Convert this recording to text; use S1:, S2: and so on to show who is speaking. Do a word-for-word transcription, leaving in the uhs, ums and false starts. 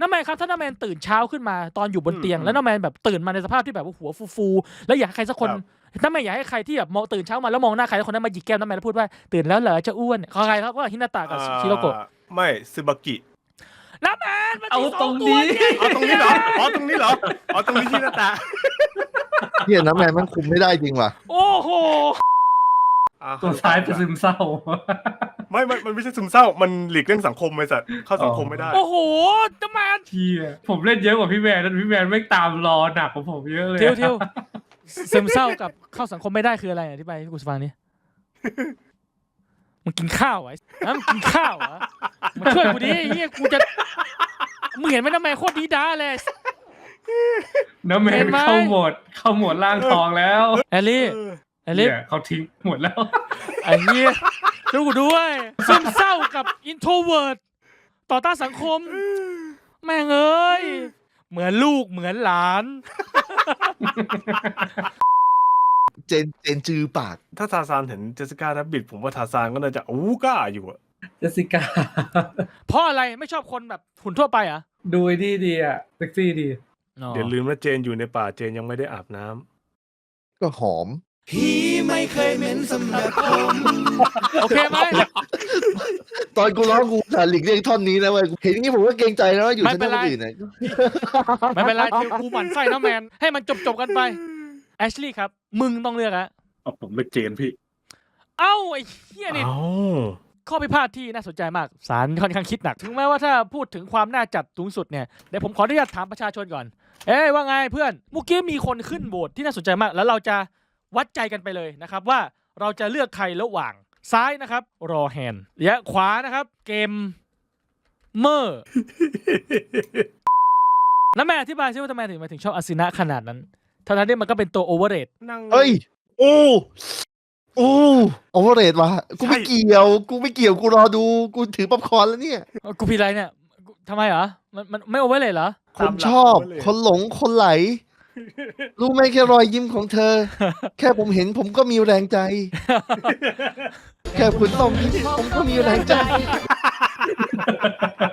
S1: น้าแมนครับถ้าน้าแมนตื่นเช้าขึ้นมาตอนอยู่บนเตียงแล้วน้าแมนแบบตื่นมาในสภาพที่แบบว่าหัวฟูๆแล้วอยากให้ใครสักคนน้าแมนอยากให้ใครที่แบบมองตื่นเช้ามาแล้วมองหน้าใครแล้วคนนั้นมาหยิกแก้มน้าแมนแล้วพูดว่าตื่นแล้วเหรอจะอ้วนเขาใครครับว่าฮินาตะกับชิโรโกะ
S2: ไม่ซึบากิ
S1: น้าแมนมัน
S3: เอาตรงนี้
S2: เอาตรงนี้เหรออ๋อตรงนี้เหรออ๋อตรงนี้ฮินาตะ
S4: เฮียน้ำแมนมันคุมไม่ได้จริงว่ะ
S1: โอ้โห
S3: ตัวซ้ายเป็นซึมเศร้า
S2: ไม่มันมันไม่ใช่ซึมเศร้ามันหลีกเลี่ยงสังคมไอ้สัตว์เข้าสังคมไม่ได้
S1: โอ้โหน้าแมน
S3: เที่ยผมเล่นเยอะกว่าพี่แมนแล้วพี่แมนไม่ตามรอหนักกว่าผมเยอะเลย
S1: เที่ยวเที่ยวซึมเศร้ากับเข้าสังคมไม่ได้คืออะไรอธิบายให้กูฟังนี่มึงกินข้าวไอ้นะมึงกินข้าวเหรอมาช่วยกูดิเฮียกูจะมึงเห็นไหมน้าแมนโคตรดีด้าเลย
S3: น้าแมนเข้าหมดเข้าหมดล่างทองแล้ว
S1: แอลลี่แอลลี่
S3: เขาทิ้งหมดแล้ว
S1: ไอ้เหี้ยดูกูด้วยซึมเศร้ากับอินโทรเวิร์ดต่อต้านสังคมแม่งเอ้ยเหมือนลูกเหมือนหลาน
S4: เจนเจนจือปาก
S2: ถ้าทาซานเห็นเจสสิก้าแรบบิทผมว่าทาซานก็น่าจะอู้ก้าอยู่อะ
S3: เจสสิก้า
S1: เพราะอะไรไม่ชอบคนแบบหุ่นทั่วไปอ่ะ
S3: ดูดีดีอ่ะเซ็กซี่ดี
S2: เดี๋ยวลืมว่าเจนอยู่ในป่าเจนยังไม่ได้อาบน้
S4: ำก็หอม
S5: พี่ไม่เคยเหม็นสำหรับผม
S1: โอเคไหม
S4: ตอนกูร้องกูถ่ายหลีกเลี่ยงท่อนนี้นะเว้ยเห็นอย่างนี้ผมก็เกรงใจนะว่าอยู่ที่นั่นอื่นเนี่ย
S1: ไม่เป็นไรกูหมั่นไส้นะแมนให้มันจบจบกันไปแอชลี่ครับมึงต้องเลือกอะ
S2: ผมเลือกเจนพี่
S1: เอ้าไอ้เหี้ยนี่ข้อพิพาทที่น่าสนใจมากศาลค่อนข้างคิดหนักถึงแม้ว่าถ้าพูดถึงความน่าจัดสูงสุดเนี่ยเดี๋ยวผมขออนุญาตถามประชาชนก่อนเอ้ยว่าไงเพื่อนเมื่อกี้มีคนขึ้นโหวตที่น่าสนใจมากแล้วเราจะวัดใจกันไปเลยนะครับว่าเราจะเลือกใครระหว่างซ้ายนะครับรอแฮนและขวานะครับเกมเมอร์แล้วแม่อธิบายซิว่าทำไมถึงมาถึงชอบอาซินะขนาดนั้นทั้งนั้นที่มันก็เป็นตัวโอเวอร์เรท
S4: เฮ้ยโอ้โอ้โอเวอร์เรทวะกูไม่เกี่ยวกูไม่เกี่ยวกูรอดูกูถือป๊อปคอร์นแล้วเนี่ย
S1: กูผิดอะไรเนี่ยทำไมเหรอมันมันไม่โอเวอร์เรทเหรอ
S4: คนชอบคนหลงคนไหลรู้ไหมแค่รอยยิ้มของเธอแค่ผมเห็นผมก็มีแรงใจแค่คุณต้องยิ้มผมก็มีแรงใจ